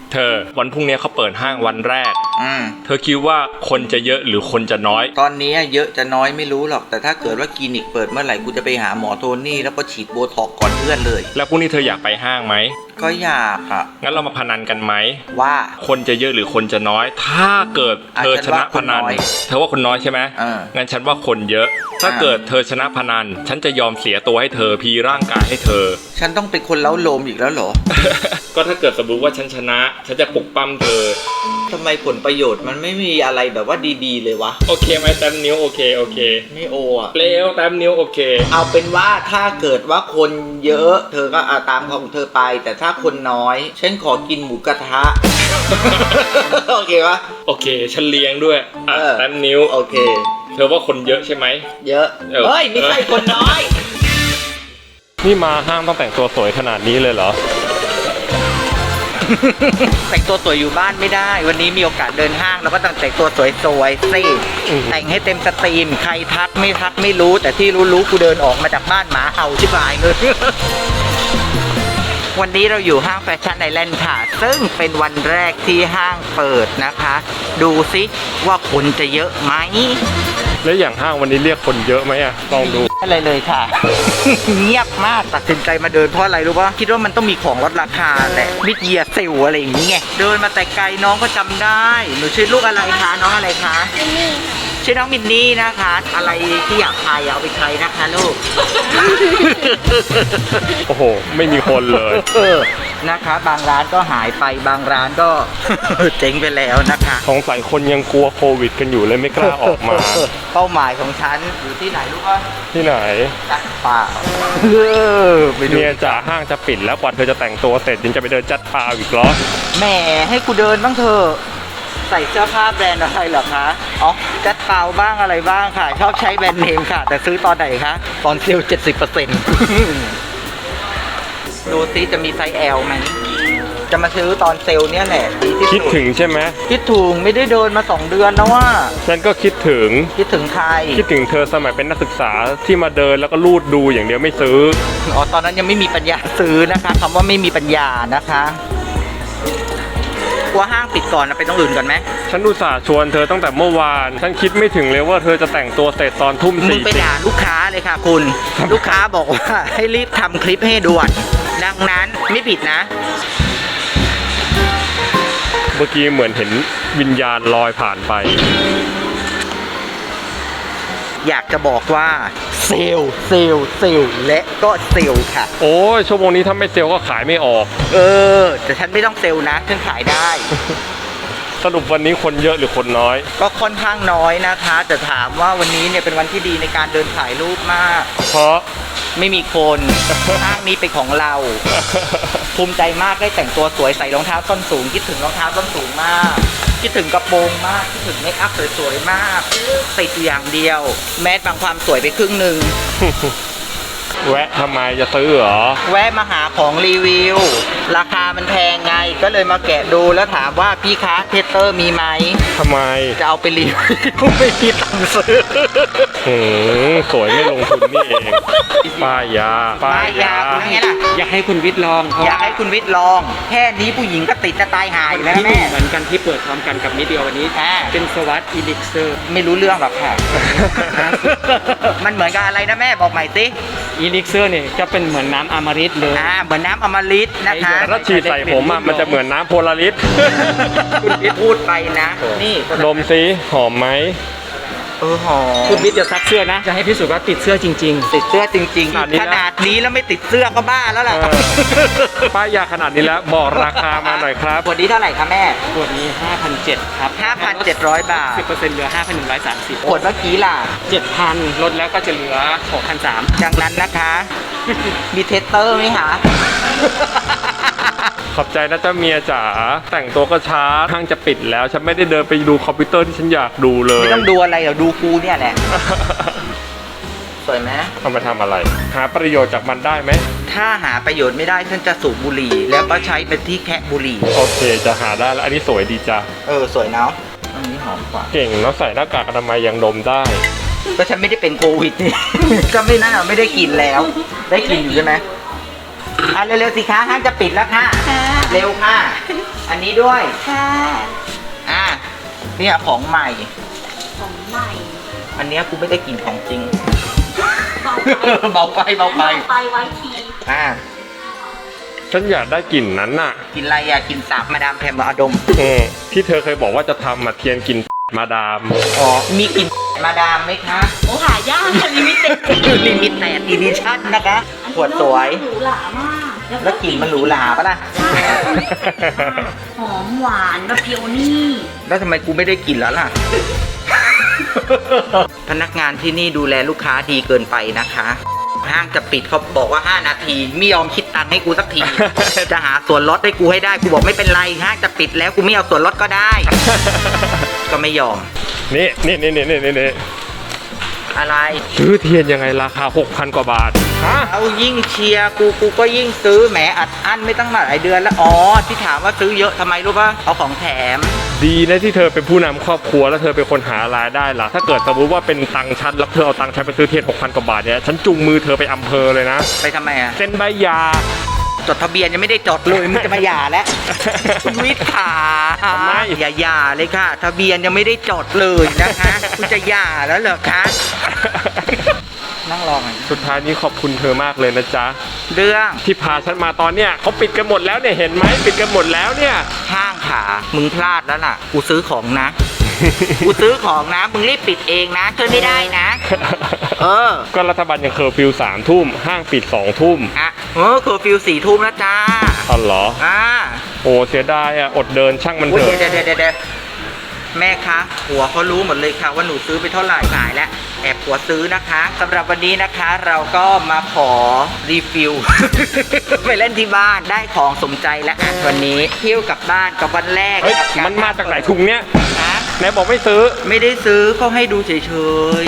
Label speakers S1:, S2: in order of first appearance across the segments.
S1: เธอวันพรุ่งนี้เขาเปิดห้างวันแรกเธอคิดว่าคนจะเยอะหรือคนจะน้อย
S2: ตอนนี้เยอะจะน้อยไม่รู้หรอกแต่ถ้าเกิดว่าคลินิกเปิดเมื่อไหร่กูจะไปหาหมอโทนี่แล้วก็ฉีดโบท็อกก่อนเพื่อนเลย
S1: แล้วพรุ่งนี้เธออยากไปห้างไหม
S2: ก็อยากอ่ะ
S1: งั้นเรามาพนันกันไหม
S2: ว่า
S1: คนจะเยอะหรือคนจะน้อยถ้าเกิดเธอชนะพนันเธอว่าคนน้อยใช่ไหมงั้นฉันว่าคนเยอะถ้าเกิดเธอชนะพนันฉันจะยอมเสียตัวให้เธอพีร่างกายให้เธอ
S2: ฉันต้องเป็นคนเล้าโลมอีกแล้วเหรอ
S1: ก็ถ้าเกิดสมมติว่าฉันชนะฉันจะปลุกปั้มเธอ
S2: ทำไมผลประโยชน์มันไม่มีอะไรแบบว่าดีๆเลยวะ
S1: โอเคไหมแต้มนิ้วโอเค
S2: ไม่โออ่ะ
S1: เร็วแต้มนิ้วโอเค
S2: เอาเป็นว่าถ้าเกิดว่าคนเยอะเธอก็ตามของเธอไปแต่ถ้าคนน้อยฉันขอกินหมูกระทะ โอเคปะ
S1: โอเคฉันเลี้ยงด้วยแต้มนิ้ว
S2: โอเค
S1: เธอว่าคนเยอะใช่ไหม
S2: เยอะเฮ้ยไม่ใช่คนน้อย
S1: นี่มาห้างต้องแต่งตัวสวยขนาดนี้เลยเหรอ
S2: แต่งตัวสวยอยู่บ้านไม่ได้วันนี้มีโอกาสเดินห้างเราก็ต้องแต่งตัวสวยๆสิแต่งให้เต็มสตรีมใครทักไม่ทักไม่รู้แต่ที่รู้กูเดินออกมาจากบ้านหมาเห่าชิบหายเลยวันนี้เราอยู่ห้างแฟชั่นไอแลนด์ค่ะซึ่งเป็นวันแรกที่ห้างเปิดนะคะดูซิว่าคนจะเยอะไหม
S1: แล้วอย่างห้างวันนี้เรียกคนเยอะไหมอะลองดู
S2: อะไรเลยค่ะ เงียบมากตัดสินใจมาเดินเพราะอะไรรู้ป่ะคิดว่ามันต้องมีของลดราคาแหละมิดเยียเซลอะไรอย่างนี้ไงเดินมาแต่ไกลน้องก็จำได้หนูชื่อลูกอะไรคะน้องอะไรคะชื่อน้องมินนี่นะคะอะไรที่อยากทายเอาไปใช้นะคะลูก
S1: โอ้โหไม่มีคนเลย
S2: นะคะบางร้านก็หายไปบางร้านก็ เจ๊งไปแล้วนะคะ
S1: สงสัยคนยังกลัวโควิดกันอยู่เลยไม่กล้าออกมา
S2: เป้าหมายของฉันอยู่ที่ไหนรู้ป่ะ
S1: ที่ไหน
S2: จัดป่า
S1: เมียจ๋าห้างจะปิดแล้วกว่าเธอจะแต่งตัวเสร็จยังจะไปเดินจัดป่าอีกเหรอ
S2: แหมให้กูเดินบ้างเถอะใส่เสื้อผ้าแบรนด์อะไรเหรอคะอ๋อจัดเปล่าบ้างอะไรบ้างค่ะชอบใช้แบรนด์เนมค่ะแต่ซื้อตอนไหนคะตอนเซลล์ 70% ดูซิจะมีไซส์ L ไหมจะมาซื้อตอนเซลล์เนี่ยแหละ
S1: คิดถึงใช่ไหม
S2: คิดถึงไม่ได้เดินมา2 เดือนแล้วว่า
S1: ฉันก็คิดถึง
S2: ใคร
S1: คิดถึงเธอสมัยเป็นนักศึกษาที่มาเดินแล้วก็ลูดดูอย่างเดียวไม่ซื้อ
S2: อ๋อตอนนั้นยังไม่มีปัญญาซื้อนะคะคำว่าไม่มีปัญญานะคะกลัวห้างปิดก่อนนะไปต้องอื่นก่อนไหม
S1: ฉันอุตส่าห์ชวนเธอตั้งแต่เมื่อวานฉันคิดไม่ถึงเลยว่าเธอจะแต่งตัวเสร็จตอนทุ่ม4มึง
S2: ไปด่าลูกค้าเลยค่ะคุณลูกค้าบอกว่าให้รีบทำคลิปให้ด่วนดังนั้นไม่ผิดนะ
S1: เมื่อกี้เหมือนเห็นวิญญาณลอยผ่านไป
S2: อยากจะบอกว่าเซลล์และก็เซลล์ค่ะ
S1: โอ้ยชั่วโมงนี้ถ้าไม่เซลล์ก็ขายไม่ออก
S2: แต่ฉันไม่ต้องเซลล์นะฉันขายได้
S1: สรุปวันนี้คนเยอะหรือคนน้อย
S2: ก็ค่อนข้างน้อยนะคะแต่ถามว่าวันนี้เนี่ยเป็นวันที่ดีในการเดินถ่ายรูปมาก
S1: เพราะ
S2: ไม่มีคนห้างนี้เป็นของเราภูมิใจมากได้แต่งตัวสวยใส่รองเท้าส้นสูงคิดถึงรองเท้าส้นสูงมากคิดถึงกระโปรงมากคิดถึงเมคอัพสวยๆมากติดอย่างเดียวแมสบางความสวยไปครึ่งหนึ่ง
S1: แวะทำไมจะซื้อเหรอ
S2: แวะมาหาของรีวิวราคามันแพงไงก็เลยมาแกะดูแล้วถามว่าพี่คะเทสเตอร์มีไหม
S1: ทำไม
S2: จะเอาไปรีวิวไม่มีตังค์ซื้อ
S1: สวยไม่ลงทุนนี่เองป้ายา
S2: คุณไงล่ะ
S3: อยากให้คุณวิทย์ลอง
S2: อยากให้คุณวิทย์ลองแค่นี้ผู้หญิงก็ติดจะตายหายแล้วแม่
S3: เหมือนกันที่เปิดพร้อมกันกับนิดเดียววันนี้เป็นสวัสดิ์อีลิกเซอร์
S2: ไม่รู้เรื่องหรอกค่ะ มันเหมือนกับอะไรนะแม่บอกใหม่สิ
S3: อีลิกเซอร์เนี่ยจะเป็นเหมือนน้ำอมฤตเลย
S2: เหมือนน้ำอมฤตนะคะ
S1: ถ้าฉีดใส่ผมมันจะเหมือนน้ำโพลาริส
S2: คุณวิทย์พูดไปนะนี่
S1: ดมซิหอมไหม
S2: หอม
S3: คุณวิทย์จะซักเสื้อนะจะให้พิสูจน์ว่าติดเสื้อจริง
S2: ๆติดเสื้อจริงๆขนาดนี้แล้วไม่ติดเสื้อก็บ้าแล้วล่ะ
S1: ป้ายาขนาดนี้แล้วบอกราคามาหน่อยครับ
S2: ขวดนี้เท่าไหร่คะแม่
S3: ขวดนี้ 5,700 ครับ
S2: 5,700 บาท
S3: 10% เหลือ 5,130
S2: ขวดเมื่อกี้ล่ะ
S3: 7,000 ลดแล้วก็จะเหลือ 6,300
S2: ดังนั้นนะคะมีเทสเตอร์ไหมคะ
S1: ขอบใจนะเจ้าเมียจ๋าแต่งตัวก็ช้าห้างจะปิดแล้วฉันไม่ได้เดินไปดูคอมพิวเตอร์ที่ฉันอยากดูเลย
S2: ไม่ต้องดูอะไรเดี๋ยวดูกูเนี่ยแหละสวยไหม
S1: เอามาทำอะไรหาประโยชน์จากมันได้ไหม
S2: ถ้าหาประโยชน์ไม่ได้ฉันจะสูบบุหรี่แล้วก็ใช้เป็นที่แคะบุหรี่
S1: โอเคจะหาได้แล้วอันนี้สวยดีจ้ะ
S2: สวยเนาะอันนี้หอมกว่า
S1: เก่งเนาะใส่หน้ากากอนามัยยังดมได้
S2: ก็ฉันไม่ได้เป็นโควิดนี่ก็ไม่น่าไม่ได้กินแล้วได้กินอยู่ใช่ไหมเร็วๆสิคะห้างจะปิดแล้วค่ะเร็วค่ะอันนี้ด้วย
S4: ค่ะ
S2: อ่ะเนี่ยของใหม่
S4: ของใหม่
S2: อันเนี้ยกูไม่ได้กินของจริง
S4: เบาไป
S2: เบาไป
S4: ไปไว้ที
S2: อ่ะ
S1: ฉันอยากได้กลิ่นนั้นน่ะ
S2: กินอะไรอ่ะกินสาบมาดามแพมมาดม
S1: ที่เธอเคยบอกว่าจะทำมาเทียนกลิ่นมาดาม
S2: อ๋อมีกลินมาดามไหมคะ
S4: โอ้หายากค่ะลิมิเต็ด
S2: ลิมิตแตดอีดิชั่นนะคะขวดสวย
S4: หรูหรามาก
S2: แล้วกลิ่นมันหรูหราปะล่ะ
S4: ใช่หอมหวานแบบเพียวนี่
S2: แล้วทำไมกูไม่ได้กลิ่นแล้วล่ะ พนักงานที่นี่ดูแลลูกค้าดีเกินไปนะคะ ห้างจะปิดเขาบอกว่า 5 นาทีไม่ยอมคิดตังค์ให้กูสักที จะหาส่วนลดให้กูให้ได้กูบอกไม่เป็นไรห้างจะปิดแล้วกูไม่เอาส่วนลดก็ได้ ก็ไม่ยอม
S1: นี่
S2: อะไร
S1: ซื้อเทียนยังไงราคา 6,000 กว่าบาท ฮะ
S2: เอายิ่งเชียร์กูก็ยิ่งซื้อแหมอัดอั้นไม่ตั้งหลายเดือนแล้วอ๋อที่ถามว่าซื้อเยอะทำไมรู้ป่ะเอาของแถม
S1: ดีนะที่เธอเป็นผู้นำครอบครัวแล้วเธอเป็นคนหารายได้ล่ะ ถ้าเกิดสมมติว่าเป็นตังค์ฉันแล้วเธอเอาตังค์ฉันไปซื้อเทียน 6,000 กว่าบาทเนี่ยฉันจุงมือเธอไปอำเภอเลยนะ
S2: ไปทำไมอ่ะ
S1: เซ็นใบหย่า
S2: จดทะเบียนยังไม่ได้จดเลยมึงจะมาหย่าแล้ว คุณวิทย์ขา
S1: ทำไม
S2: อย่าหย่าเลยค่ะ ทะเบียนยังไม่ได้จดเลยนะคะคุณจะหย่าแล้วเหรอคะ นั่งรอกัน
S1: สุดท้ายนี้ขอบคุณเธอมากเลยนะจ๊ะ
S2: เรื่อง
S1: ที่พาฉันมาตอนเนี้ยเขาปิดกันหมดแล้วเนี่ยเห็นไหมปิดกันหมดแล้วเนี่ย
S2: ห้างขามึงพลาดแล้วล่ะ กูซื้อของนะ กูซื้อของนะ มึงรีบปิดเองนะช่วยไม่ได้นะ เออ
S1: ก็รัฐบาลยังเคอร์ฟิว3 ทุ่มห้างปิด2 ทุ่ม
S2: อ่ะเคอร์ฟิว4 ทุ่มแล้วจ้า
S1: อ๋อเหรอ
S2: อ่า
S1: โอ้เสียดายอ่ะอดเดินช่างมัน
S2: อุ๊
S1: เถ
S2: ย
S1: อะ
S2: เดี๋ยวแม่คะผัวเขารู้หมดเลยค่ะว่าหนูซื้อไปเท่าไหร่ขายแล้วแอบผัวซื้อนะคะสำหรับวันนี้นะคะ เราก็มาขอรีฟิล ไปเล่นที่บ้านได้ของสมใจแล้วอ่ะวันนี้เที่ยวกลับบ้านกับวันแรก
S1: เฮ้ย
S2: กับ
S1: มันมาจากไหนถุงเนี้ย
S2: นะ
S1: ไหนบอกไม่ซื้อ
S2: ไม่ได้ซื้อเขาให้ดูเฉย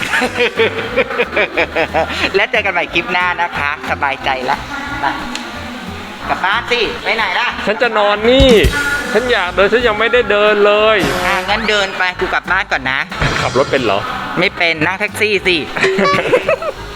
S2: ๆ และเจอกันใหม่คลิปหน้านะคะ สบายใจแล้วไปกลับบ้านสิไปไหนล่ะ
S1: ฉันจะนอนนี่ ฉันอยากเดินฉันยังไม่ได้เดินเลย
S2: งั้นเดินไปกูกลับบ้านก่อนนะ
S1: ขับรถเป็นเหรอ
S2: ไม่เป็นนั่งแท็กซี่สิ